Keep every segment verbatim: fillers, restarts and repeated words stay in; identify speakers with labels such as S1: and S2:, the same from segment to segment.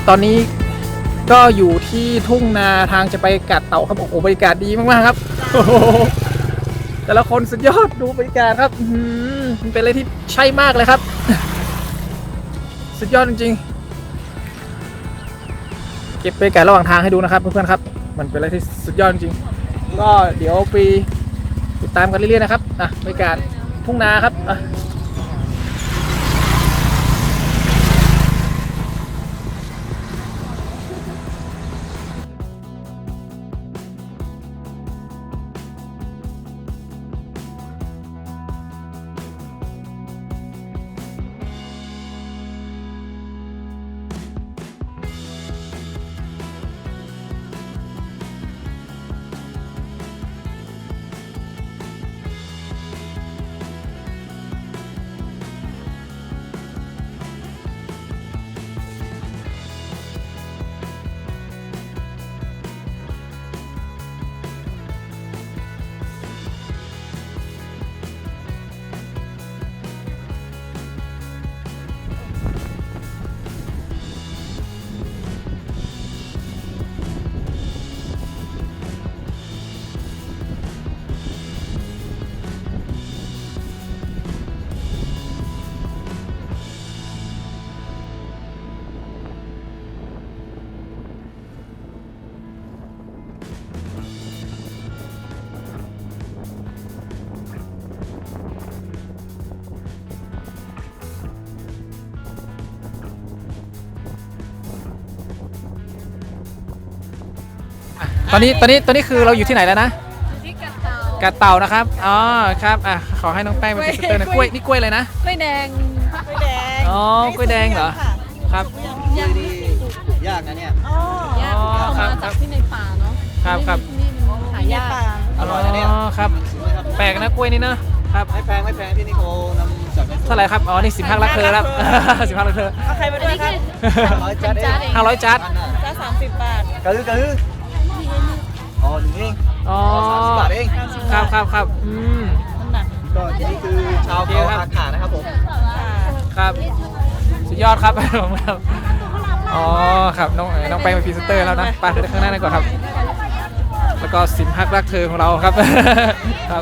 S1: ตอนนี้ก็อยู่ที่ทุ่งนาทางจะไปกาดเต่าครับโอ้โหบรรยากาศดีมากๆครับโอ้โหแต่ละคนสุดยอดดูบรรยากาศครับมันเป็นอะไรที่ใช่มากเลยครับสุดยอดจริงๆเก็บบรรยากาศระหว่างทางให้ดูนะครับเพื่อนๆครับมันเป็นอะไรที่สุดยอดจริงๆก็เดี๋ยวไปติดตามกันเรื่อยๆนะครับอ่ะบรรยากาศทุ่งนาครับอ่ะตอนนี้ตอนนี้ตอนนี้คือเราอยู่ที่ไหนแล้วนะ
S2: ที่กาดเต่าก
S1: าดเต่านะครับอ๋อครับอ่ะขอให้น้องแป้งเป็นพรีเซนเตอร์นะกล้วยนี่กล้วยเลยนะ
S2: กล้วยแดง
S3: กล้วยแดง
S1: อ๋อกล้วยแดงเหรอครับ
S3: ยากดียากนะเนี่ย
S2: อ๋อยากเอามาจากที่ในป่าเนาะ
S1: ครับครับ
S2: นี่มันหายาก
S3: อร่อยนะเนี่ย
S1: อ๋อครับแปลกนะกล้วยนี่นะครับ
S3: ไม่แพงไม่แพงที่นี่เขานำจากในสวน
S1: เท่าไหร่ครับอ๋อนี่สิบห้าลักเธอครับสิบห้าลักเธอ
S3: เอาใครมาด้วยครับร้อยจัดเอง
S1: ห้าร้อยจัด
S3: จัดสามสิบบาทกระลือกระลืออ๋อหนึ่งเอง
S1: อ๋อ
S3: สามสิบบาทเอง
S1: ครับครับครับอืม
S3: ก็ที่นี่คือชาวเขาอาขานะครับผม
S1: ครับสุดยอดครับอ๋อครับน้องน้องแป้งเป็นพรีเซนเตอร์แล้วนะไปเดินข้างหน้าหน่อยก่อนครับแล้วก็สิมฮักรักเธอของเราครับครับ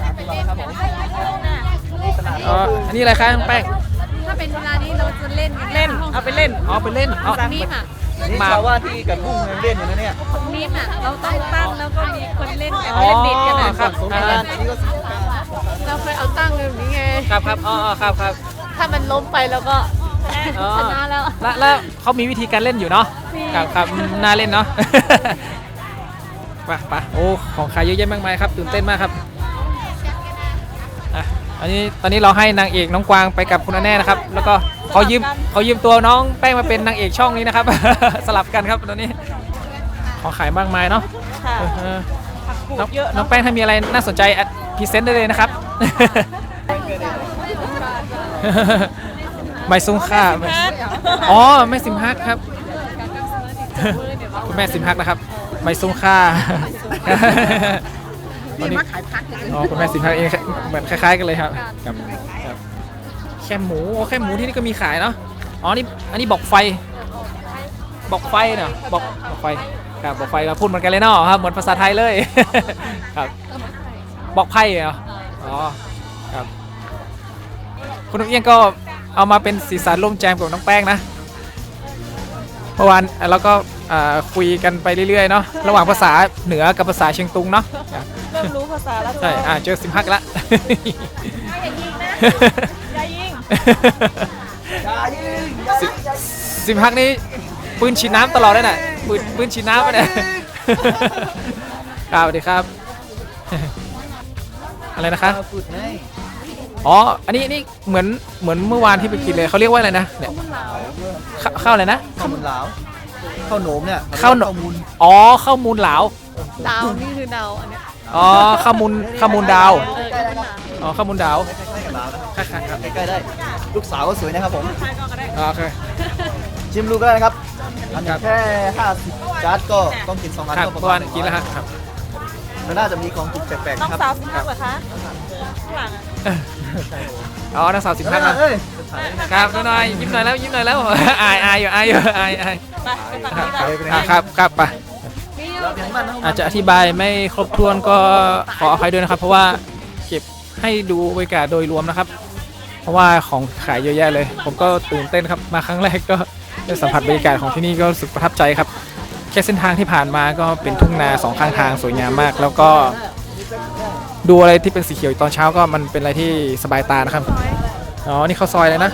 S1: อ๋ออันนี้อะไรคะน้องแป้ง
S2: ถ้าเป็นเวลานี้เราจะเล่น
S3: เล่นเอาไปเล่น
S1: อ๋อไปเล่นอ๋อ
S2: นี่ค่ะ
S3: นี่ชาวว่าที่กับพุ่งเล่นอยู่นะเนี่ย
S2: นี่อ่ะเราต้องตั้งแล้วก็มีคนเล่นกันเล่นดิดกัน
S1: นะครับ
S2: เราเคยเอาตั้งแบบนี้ไง
S1: ครับครับอ๋อครับครับ
S2: ถ้ามันล้มไปแล้วก็ชนะแล้ว
S1: แล้วเขามีวิธีการเล่นอยู่เนาะครับครับน่าเล่นเนาะไปไปโอ้ของขายเยอะแยะมากมายครับตื่นเต้นมากครับอ่ะอันนี้ตอนนี้เราให้นางเอกน้องกวางไปกับคุณแน่นะครับแล้วก็เขายืมเขายืมตัวน้องแป้งมาเป็นนางเอกช่องนี้นะครับสลับกันครับตอนนี้ของขายมากมายเนาะน้องแป้งถ้ามีอะไรน่าสนใจพรีเซนต์ได้เลยนะครับไม่ซุ้มค่าอ๋อแม่ซิมฮักครับคุณแม่ซิมฮักนะครับไม่ซุ้มค่า
S2: นี่มาขายพัก
S1: อ๋อคุณแม่ซิมฮักเองเหมือนคล้ายๆกันเลยครับครับแค่หมูแค่หมูที่นี่ก็มีขายเนาะอ๋อนี่อันนี้บอกไฟบอกไฟเนาะบอกบอกไฟครับบอกไฟเราพูดเหมือนกันเลยเนาะครับเหมือนภาษาไทยเลยครับบอกไพ่เหรออ๋อครับคุณนุ๊กเอี้ยงก็เอามาเป็นสีสันร่วมแจมกับน้องแป้งนะเมื่อวานเราก็คุยกันไปเรื่อยๆเนาะระหว่างภาษาเหนือกับภาษาเชียงตุงเนาะ
S3: เริ่มรู้ภาษาแล้ว
S1: ใช่อ่าเจอซิมฮักละ
S3: อย่ายิงอย่ายิง
S1: ซิมฮักนี่ปืนฉีดน้ำตลอดเลยน่ะปืนปืนฉีดน้ำเนี่ยครับสวัสดีครับอะไรนะครับอ๋ออันนี้นี่เหมือนเหมือนเมื่อวานที่ไปกินเลยเขาเรียกว่าอะไรนะเนี่ยข้าวอะไรนะ
S3: ข้าวมูลเหลาข้าวโหนมเนี่ย
S1: ข้าวมูลอ๋อข้าวมูลเหลา
S2: ดาวนี่คือดาวอันนี้
S1: อ๋อข้าวมูลข้าวมูลดาวอ๋อข้าวมูลดาว
S3: ใกล้ๆครับใกล้ๆได้ลูกสาวก็สวยนะครับผม
S1: โอเค
S3: ชิมดูก็ได้นะครับอันนี้แค่ห้าสิบจานก็ต้องกินสองอันก็ประมาณ
S1: กินแล้วครับ
S3: มันน่าจะมีของถูกแปลกๆครับน้อง
S2: สาวสิบห้าเหรอคะข้างหลัง
S1: อ๋อนางสาวสิมพักนะ
S3: เอ้ย
S1: ครับหน่อยยิ้มหน่อยแล้วยิ้มหน่อยแล้วอายอายอยู่อายอยู่อายอาย
S2: ไปไปฝั่ง
S1: ครับ
S2: นี้
S1: ครับครับครับไป
S3: เราเปลี่ยนบ้านนะ
S1: อาจจะอธิบายไม่ครบถ้วนก็ขออภัยด้วยนะครับ เพราะว่าเก็บให้ดูบรรยากาศโดยรวมนะครับ เพราะว่าของขายเยอะแยะเลย ผมก็ตื่นเต้นครับมาครั้งแรกก็ได้สัมผัสบรรยากาศของที่นี่ก็รู้สึกประทับใจครับแค่เส้นทางที่ผ่านมาก็เป็นทุ่งนาสองข้างทางสวยงามมาก แล้วก็ดูอะไรที่เป็นสีเขียวตอนเช้าก็มันเป็นอะไรที่สบายตานะครับอ๋อนี่ข้าวซอยเลยนะ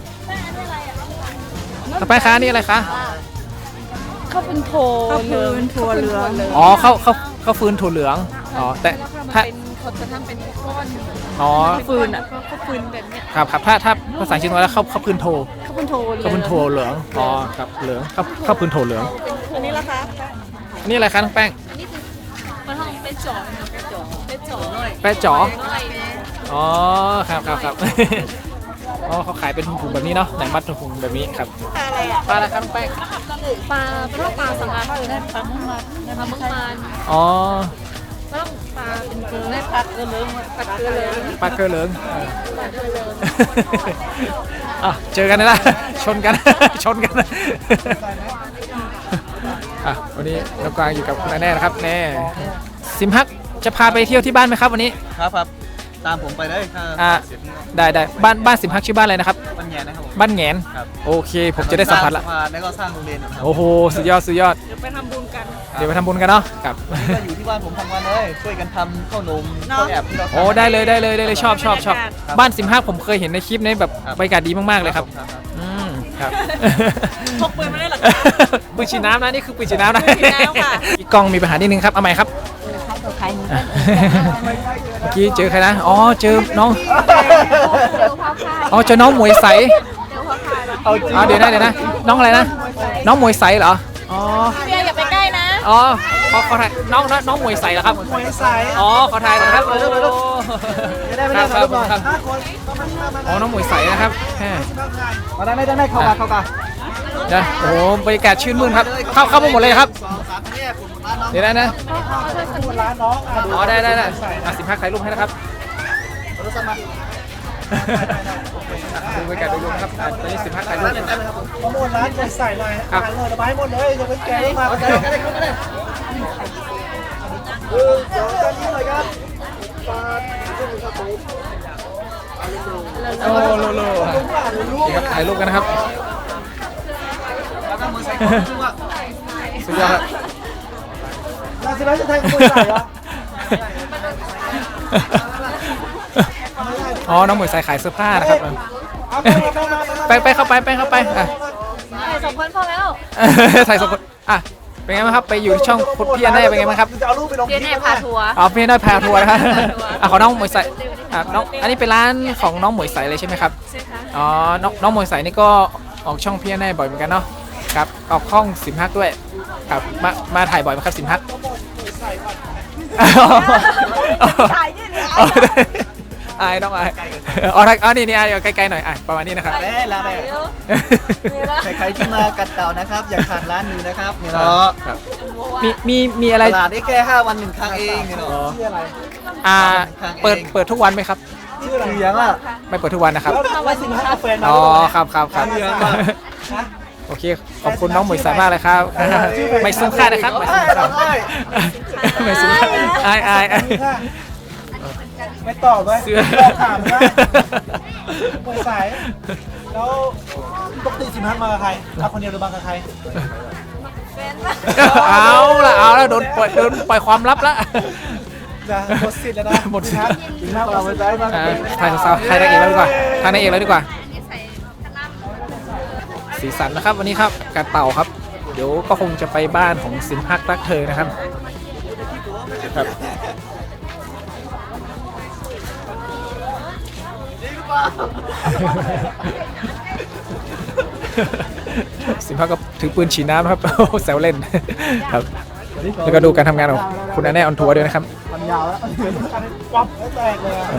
S1: ต่อไปคะนี่อะไรคะ
S2: ข้าวเป็นโถเรืองถั่วเหลือง
S1: อ๋อข้าวข้าวข้าวฟืนถั่วเหลืองอ๋อแต่ถ้า
S2: เป็นเขาจะทำเป็นก้อน
S1: อ๋อ
S2: ฟืนอ่ะข้าวฟืนแบบเนี้ย
S1: ครับครับถ้าถ้าภาษาจีนว่าแล้วข้าวข้าวพื้นโท
S2: ข้าวเป็นโถเหลือง
S1: ข้าวพื้นโทเหลืองอ๋อครับเหลืองข้าวข้าวพื้นโทเหลือง
S2: อันนี้ละคะ
S1: อันนี่อะไรคะน้องแป้ง
S2: มันห้องเป็นจ่อเป็นจ่อเป็นจ่อเลย
S1: แป้จ๋ออ๋อครับครับครับ อ๋อเขาขายเป็นถุงๆแบบนี้เนาะไหนมัดถุงๆแบบนี้ครับ
S2: อะไรอ่ะ
S1: ปลาอะไรครับน้องแป้ง
S2: ปลาเป็นปลาสังอาคือได้ปลาเมื่อวานนะคะเมื่อวาน
S1: อ๋อ
S2: ต้องปลาเป็นเกลือได้ปลาเกลือเหลืองปลาเกลือเหลือง
S1: ปลาเกลือเหลือง
S2: ปลาเกลือเหลือง
S1: อ่ะเจอกันนะ ชนกัน ชนกันอ่ะวันนี้น้องกวางอยู่กับคุณแน่นะครับแน่ซิมฮักจะพาไปเที่ยวที่บ้านไหมครับวันนี้
S3: ครับครับตามผมไปเลยถ้า
S1: อ่า
S3: เสร็จ
S1: ได้ได้บ้านบ้านสิมฮักชื่อบ้านอะไรนะครับ
S3: บ้านแง่นะครับผม
S1: บ้านแหงน
S3: ครับ
S1: โอเค ผมจะได้สัมผัสละ
S3: สร้างสะพานแล้วก็สร้างโรงเรียนนะครับ
S1: โอ้โหสุดยอดสุดยอด
S2: เดี๋ยวไปทำบุญกัน
S1: เดี๋ยวไปทำบุญกันเนาะกับ
S3: ก็อยู่ที่บ้านผมทำงานเลยช่วยกันทำข้าวนมข้าวแอบที่เราทำ
S1: โอ้ได้เลยได้เลยได้เลยชอบชอบชอบ
S3: ครับ
S1: บ้านสิมฮักผมเคยเห็นในคลิปนี้แบบ
S3: ครับ
S1: บรรยากาศดีมากๆเลยครับ
S3: ครับครับ
S1: อืมครับ
S2: พกปืนมาได้หรอ
S1: ปืนฉีดน้ำนะนี่คือปืนฉีดน้ำนะ
S2: ปืนฉีดน้ำค่ะ
S1: พี่กล้องมีปัญหานิดนึงครับเอาใหม่ครับ
S2: ใครหนู
S1: อ่ะเมื่อกี้เจอใครนะอ๋อเจอน้องอ๋อเจอน้องหมวยใส
S3: เอาจริง
S1: อ๋อเดี๋ยวนะเดี๋ยวนะน้องอะไรนะน้องหมวยใสเหรออ๋อ
S2: เบียร์อย่าไปใกล้นะ
S1: อ๋อขอขอถ่ายน้องน้องน้องหมวยใสเหรอครับ
S3: มวยใส
S1: อ๋อขอถ่ายหนะครับโอ้
S3: ไม่ได้ไม่
S1: ค
S3: ได้
S1: รับครับ
S3: ถ่ายรูปหน่อย
S1: ครับ
S3: ห้าคนต้องมาห้ามา
S1: อ๋อน้องหมวยใสนะครับแหม
S3: มาได้ไม่ได้ไม่เข้ามาเข้ามา
S1: นะโอ้โหบรรยากาศชื่นมื่นครับเข้าเข้ามาหมดเลยครับ
S3: สองสามแยกผมร้านน้อง
S1: เดี๋ยวนะนะ
S3: ร้านน้องมาดู
S1: อ๋อได้ได้ได้อ่ะสิบห้าถ่ายรูปให้นะครับ
S3: รถสมา
S1: ดูบรรยากาศโดยรวมนะครับอ่ะตอนนี้สิบห้าถ่ายรู
S3: ร้า
S1: ป
S3: น
S1: นะ
S3: เต็
S1: ครับ
S3: มเลยครับผมประมูลร้านใส่หน่อย
S1: ครับ
S3: อาหารหน่อยไม้หมดเลยยกเว้นแกงมาได้ได้ได้ได้เออเดี๋ยวจานนี้หน่อยครับปลาขึ้นครับผม
S1: โอ้โลโลนี่ครับถ่ายรูปกันนะครับ
S3: แล้วก็มือใส่ของขึ้นว่า
S1: สุดยอดครับ
S3: ร้านสิบห้าจะแทงมือใส่เหรอ
S1: อ๋อ น้องหมวยใส่ขายเสื้อผ้านะครับ
S3: เอาไปไป
S1: ไปไปเข้าไปไปเข้าไปอ่ะ
S2: สองคนพอแล้ว
S1: ถ่ายสองคนอ่ะ เป็นไงบ้างครับ ไปอยู่ที่ช่องพุทธพี่อันแน่เป็นไงบ้างครับ
S3: จะเอารูปไปลง
S2: เบียร์แน่พาทัวร์
S1: อ๋อพี่อันแน่พาทัวร์นะครับอ่ะขอน้องหมวยใส่อ่ะน้อง อันนี้เป็นร้านของน้องหมวยใส่เลยใช่ไหมครับ
S2: ใช่ค่ะ
S1: อ๋อ น้องน้องหมวยใส่นี่ก็ออกช่องพี่อันแน่บ่อยเหมือนกันเนาะ ครับ ออกห้องสิมฮักด้วย ครับ มา มาถ่ายบ่อยไหมครับสิมฮัก
S2: ถ่ายยืดเลย
S1: อ๋ออายน้องอายอ๋ออ๋อนี่นี่อายไกลๆหน่อยอ่ะประมาณนี้นะครับ
S3: แม่ร้านแม่ใครๆที่มากัดเต่านะครับ อย่าขาดร้านนี้นะครับเนี่ยเนาะ
S1: ครับมีมีมีอะไร
S3: ตลาดได้แค่ห้าวันหนึ่งครั้งเองเนี่ยเนาะชื่ออะไร
S1: อ่าเปิดเปิดทุกวันไหมครับ
S3: ชื่ออะไรเลี้ยงอ่ะ
S1: ไม่เปิดทุกวันนะครับ
S3: แล้วว่าสิบห้าแฟน
S1: อ๋อครับครับครับ
S3: เลี้ยงมา
S1: โอเคขอบคุณน้องหมวยสายมากเลยครับไม่ซุ้มค่านะครับไม่ซุ้มค่าไม่ซุ้มค่าอายอายอาย
S3: ไม่ตอบไหม
S1: เสื้อ
S3: ถามนะมวยสายแล้วปกติสิบห้ามากับใครมาคนเดียวหรือมากับใคร
S1: เอาละเอาละโดนปล่อยโดนปล่อยความลับละ
S3: นะหมดสิทธิ์แล้วนะ
S1: หมดสิทธิ์
S3: สิบห้าเราไปซ้ายมา
S1: อ่าถ่ายสาวถ่ายนางเอกแล้วดีกว่าถ่ายนางเอกแล้วดีกว่าสีสันนะครับวันนี้ครับการเต่าครับ เดี๋ยวก็คงจะไปบ้านของสินพักรักเธอนะครับครับสินพักก็ถือปืนฉีดน้ำนะครับ แซวเล่นครับแล้วก็ดูการทำงานของคุณแน่ออนทัวร์ด้วยนะครับ
S3: ทำยาวแล้ววับแล้วแตกเลยอะ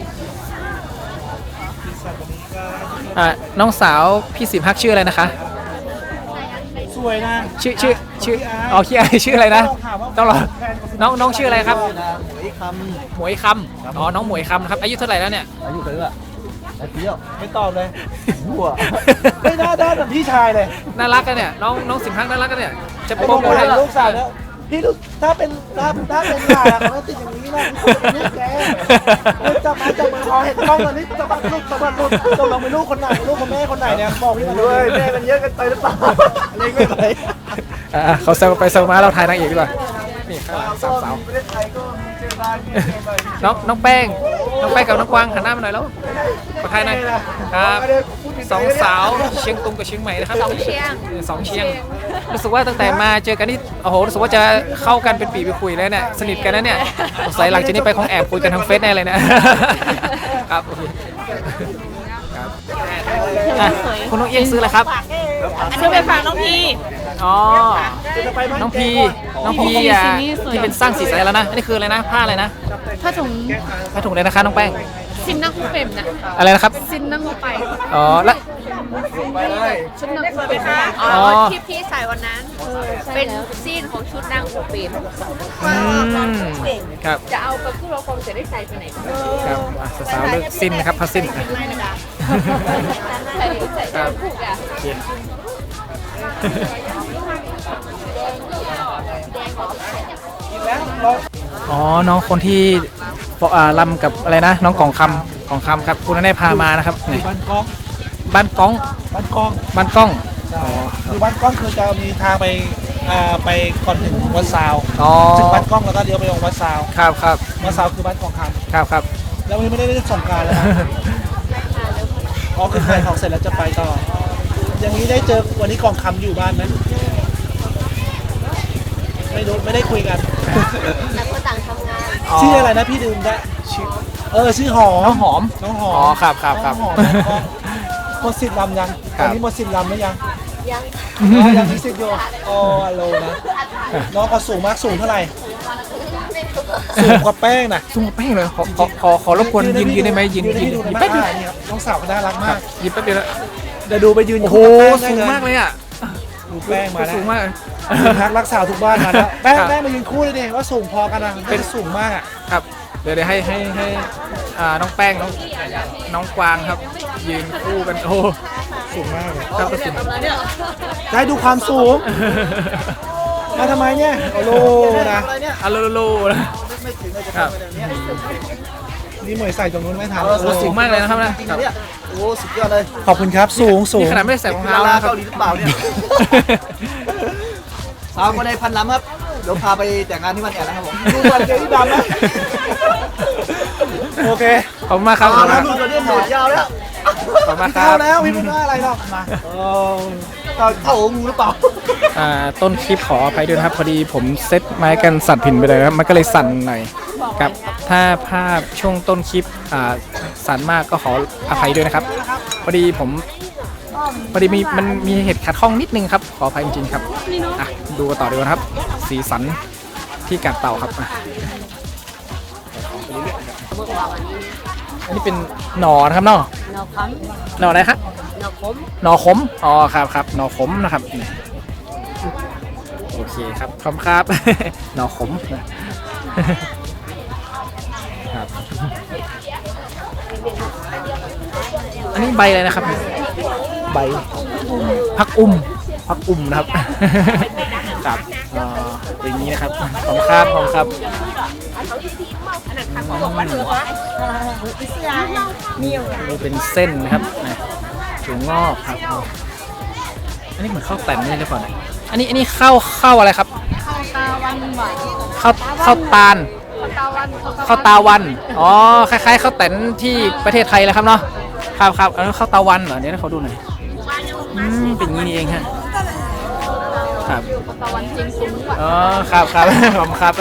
S1: อ่าน้องสาวพี่สิมฮักชื่ออะไรนะคะ
S3: สวยนะ
S1: ชื่อชื่อชื่ออ๋อชื่ออะไรชื่ออะไรนะต้องรอน้องน้องชื่ออะไรครับ
S3: หมวยค
S1: หมวยคำอ๋อน้องหมวยคำนะครับอายุเท่าไหร่แล้วเนี่ย
S3: ำอายุเท่าไหร่แต่เที่ยวไม่ตอบเลยหัวไม่น่าด้านแบบพี่ชายเลย
S1: น่ารักกันเนี่ยน้องน้องสิมฮักน่ารักกันเนี่ยจะ
S3: ไอ้
S1: โปร
S3: โม
S1: โม
S3: โม
S1: ทให้
S3: เห็นลูกสาวแล้วพี่ลูกถ้าเป็นถ้าถ้าเป็นหลานเขาติดอย่างนี้นะลูกแกลูกจะมาจะมาพอเห็นกล้องตอนนี้จะมาลูกจะมาลูกจะลองเป็นลูกคนไหนลูกของแม่คนไหนเนี่ยบอกพี่มาเลยแม่มันเยอะกันไปหรือเปล่าเล็กไม่ไป
S1: อ่ะเขาเซลไปเซลมาเราถ่ายนางเอกดีกว่านี่ข้างหลังสามสาว
S3: ประเทศไทยก็มีเจอบ้านมีเจอบ้าน
S1: น้องน้องแป้งน้องแป้งกับน้องกวางหันหน้ามาหน่อยแล้วขอถ่ายหน่อยครับสองสาวเชียงตุงกับเชียงใหม่นะครับสองเชียงสองเชียงรู้สึกว่าตั้งแต่มาเจอกันนี่โอ้โหรู้สึกว่าจะเข้ากันเป็นปีไปคุยแล้วเนี่ยสนิทกันนะเนี่ยสงสัยหลังจากนี้ไปคงแอบคุยกันทางเฟซแน่เลยนะครับโอเคครับอ่ะคุณน้องเอียงซื้ออะไรครับ
S2: ซื้อไปฝากน้องพี
S1: อ๋อน้องพีน้องพีอ่ะที่เป็นสร้างสีสันแล้วนะอันนี้คืออะไรนะผ้าอะไรนะ
S2: ผ้าถุง
S1: ผ้าถุงเลยนะคะน้องแป้ง
S2: ซินนั่งคูเปมนะ
S1: อะไรนะครับ
S2: ซินนั่งคูไป
S1: อ๋อแล้ว
S2: ชุดนั่งคูเปมค่ะ
S1: อ๋
S4: อ๋
S1: อ
S4: อที่พี่ใส่วันนั้น เป็นซีนของชุดนางอูปีน
S1: อืมครับ
S4: จะเอากับผู้เราคงจะได้ใส่ไปไหนบ้าง
S1: ครับอ่ะสาวๆเลือกสิ้นนะครับผ้าสิ้น
S4: ใส่ใส่ใส่ผูกอ่ะ
S1: โอเคอ๋อน้องคนที่อ่าลำกับอะไรนะน้องกล่องคำกล่องคำครับคุณได้พามานะครับนี่
S3: บ้านกล้อง
S1: บ้านก้อง
S3: บ้านกล้อง
S1: บ้านก้องอ๋อ
S3: คือบ้านกล้องคือจะมีทางไปอ่าไปก่อนถึงวัดซาว
S1: อ๋อ
S3: ถึงบ้านกล้องแล้วก็เลี้ยวไปลงวัดซาว
S1: ครับครับ
S3: วัดซาวคือบ้านกองค
S1: ครับครับ
S3: ำแล้ววันนี้ไม่ได้เล่นสงกรารแล้วนะอ๋อคือขายของเสร็จแล้วจะไปต่ออย่างนี้ได้เจอวันนี้กองคำอยู่บ้านไหมไม่รู้ไม่ได้คุยกัน
S4: ต่างคนต่างทำงาน
S3: ชื่ออะไรนะพี่ดื่มได้ชื่อเออชื่อหอม
S1: น้องหอม
S3: น้องหอ
S1: อ๋อ
S3: ม
S1: ครับครับครับ
S3: น้องหอมหมดสิทธิ์ลำยัง
S1: ค
S3: ต
S1: รั
S3: อบ นนี้หมดสิทธิ์ลำหรือยัง
S4: ยัง
S3: อ๋อยังมีสิทธิ์อยู่อ๋ออโลนะน้องก็สูงมากสูงเท่าไหร่สูงกว่าแป้งนะ
S1: สูงกว่าแป้งเลยขอขอขอขอรบกวนยืนยืนได้ไหมยืน
S3: ยืน
S1: ยื
S3: ให้
S1: น
S3: ดู
S1: ยืน
S3: ได้
S1: แป๊บ
S3: ไหม
S1: เดียว
S3: อ่านี่ครับน้องสาวก็น่ารัก
S1: ค
S3: มา
S1: รับ
S3: ก
S1: ยืนแป๊บเดียวแล้ว
S3: เดี๋ยวดูไปยืน
S1: โอ้โห
S3: คู่กับแป้
S1: สูง
S3: ได้
S1: มากเลยอ่ะ
S3: ดูแป้งมาแล้ว
S1: สูงมากเลย
S3: พักรักษาทุกบ้านมาแล้วแป้ง
S1: ครับ
S3: แป้งมายืนคู่เลยดิว่าสูงพอกันนะเป็นสูงมากอ่ะ
S1: ครับเดี๋ยวเดี๋ยวให้ให้ให้อ่าน้องแป้งน้องน้องกวางครับ ยืนคู่กันโอ้
S3: สูงมากเลย
S1: ครับก็สูง
S3: ได้ดูความสูงมาทำไมเนี่ยโอ้โหนะ
S1: อะโลโลนะครับ
S3: นี่หมวยใส่ตรงนู้นไม่ทัน
S1: โอ้สูงมากเลยนะครับนะครับ
S3: โอ้สุดยอดเลยขอบคุณครับสูงสูง
S1: นี่ขนาดไม่ได้ใส่รองเท้านะครับ
S5: เกาหลีหรือเปล่าเนี่ย สาวคนในพันล้ำครับ เดี๋ยวพาไปแต่งงานที่วันแอนนะครับผม
S3: ดูวันเจนี่ดำนะโอเค
S1: ขอบคุณมากครับขอบคุณมาก
S5: ลูกตัวนี้หนวดยาวแล้ว
S1: ขอบคุณมากค
S3: เข้า
S1: รับ
S3: แล้วพี่ไม่ว่าอะไรหรอกมาโอ้
S5: เท่าเท่างูหรือเปล่า
S1: อ่าต้นคลิปขออภัยด้วยนะครับพอดีผมเซตไม้กันสั่นผินไปเลยนะครับมันก็เลยสั่นหน่อยครับถ้าภาพช่วงต้นคลิปอ่าสั่นมากก็ขออภัยด้วยนะครับพอดีผมพอดีมีมันมีเหตุขัดข้องนิดนึงครับขออภัยจริงๆครับอ่ะดูกันต่อดีกว่านะครับ สีสันที่กัดเต่าครับอ่ะอันนี้เป็นหนอนะครับเนาะ
S4: นอค
S1: หนออะไรครับ
S4: ำนอคม
S1: หนอขมอ๋อครับครับหนอขมนะครับนี่โอเคครับขอบคุณครับ หนอขมครับอันนี้ใบอะไรนะครับใบพักอุ้มพักอุ้มนะครับ ครับอ่าเป็นอย่างนี้นะครับขอบคุณครับขอบคุณครับนี่เป็นเส้นนะครับนะถั่วงอกครับอันนี้เหมือนข้าวแต่นนี่หรือเปล่าเนี่ยอันนี้อันนี้ข้าวข้าวอะไรครับ
S2: ข้าวตาวันหวาน
S1: ข้าวข้าวตาล
S2: ข้าวตาวัน
S1: ข้าวตาวันอ๋อคล้ายๆข้าวแต่นที่ประเทศไทยเลยครับเนาะครับครับอันนั้นข้าวตาวันเหรอเดี๋ยวให้เขาดูหน่อยอืมเป็นอย่างนี้นี่เองฮะครับ
S2: ข้าวตาวันจริงซุ้มหวาน
S1: อ๋อครับครับ ขอบคุณครับ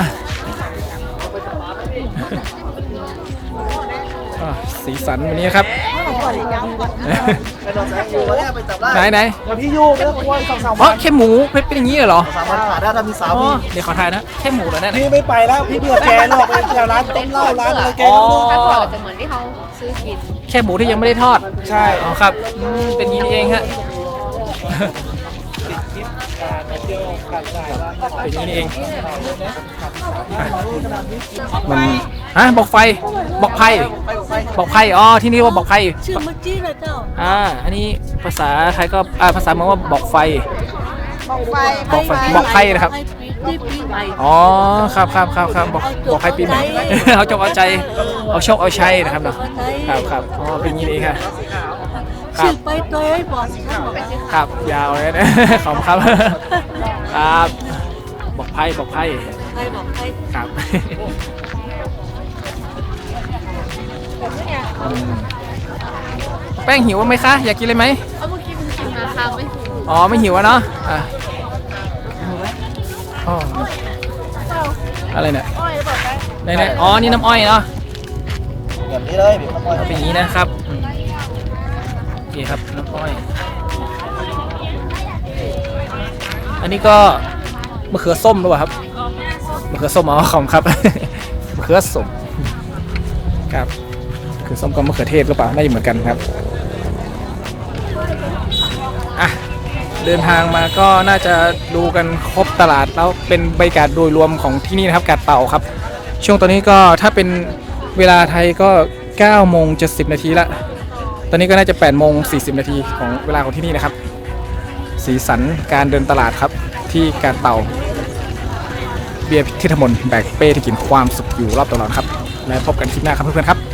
S1: อ่ะสีสันวันนี้ครับ
S5: ไปนอนแสงอยู่วันนี้ไปจับได้
S1: ไหนไหน
S3: เดี๋ยวพี่ยูไม่ต้องกลัวสองสาม
S1: อ๋อ
S3: วัน
S1: แค่หมูเป็นเป็นอย่างนี้เหรอ
S5: สามวันขาดได้ถ้ามีสาว
S1: อ๋อ
S5: มี
S1: เดี๋ยวขอถ่ายนะแค่หมูเหรอเนี่ย
S3: พี่ไม่ไปแล้วพี่เบื่อแกหรอกไปแถวร้านต้มเหล้าร้านอะไรแก
S1: อ๋อ
S3: ก็รู้
S4: ถ้าเกิดจะเหมือนที่เขาซื้อกิน
S1: แค่หมูที่ยังไม่ได้ทอด
S3: ใช่
S1: อ๋อครับอืมเป็นอย่างนี้นี่เองฮะเป็นอย่างนี้นี่เองอ่ะมันฮะบอกไฟบอกไผ่บอกไผ่อ๋อที่นี่ว่าบอกไผ่
S2: ชื่อเมื่อกี้เลยเจ้า
S1: อ่าอันนี้ภาษาไทยก็อ่าภาษาเมืองว่าบอกไฟ
S4: บอกไฟ
S1: บอกไฟบอกไผ่นะครับ
S2: ที่ปีใหม่
S1: อ๋อครับครับครับครับบอกบอกไผ่ปีใหม่ เอาจงเอาใจเอาโชคเอาชัยนะครับเนาะครับครับอ๋อเป็นอย่างนี้นี่ครับครั
S2: ชื่
S1: บ
S2: อไปตัวไอ้บอสครับ
S1: ครับยาวเลยนะ ขอบคุณครับครับบอกไพ่บอกไพ่
S2: ใครบอกใคร
S1: ครับอืมแป้งหิวไหมคะอยากกินเลยไหม
S4: เอาเมื่อกี้มึงกินมาค่ะไม่ถูก
S1: อ๋อไม่หิวอะเนาะอ่ะอ๋ออะไรเนี่ย
S4: อ้อยบอกได้
S1: ไหนๆอ๋อนี่น้ำอ้อยเนาะ
S3: แบบนี้เลยบีบน้ำมัน
S1: เอาเป็นอย่างนี้นะครับอืมนี่ครับน้ำอ้อยอันนี้ก็มะเขือส้มหรือเปล่าครับมะเขือส้มอ๋อของครับ มะเขือส้มครับมะเขือส้มกับมะเขือเทศหรือเปล่าน่าจะเหมือนกันครับอ่ะเดินทางมาก็น่าจะดูกันครบตลาดแล้วเป็นบรรยากาศโดยรวมของที่นี่นะครับกาดเต่าครับ ช่วงตอนนี้ก็ถ้าเป็นเวลาไทยก็เก้าโมงเจ็ดสิบนาทีละตอนนี้ก็น่าจะแปดโมงสี่สิบนาทีของเวลาของที่นี่นะครับสีสันการเดินตลาดครับที่กาดเต่าเบียร์ทิทมนแบกเป้ที่กินความสุขอยู่รอบตลอดครับแล้วพบกันคลิปหน้าครับเพื่อนๆครับ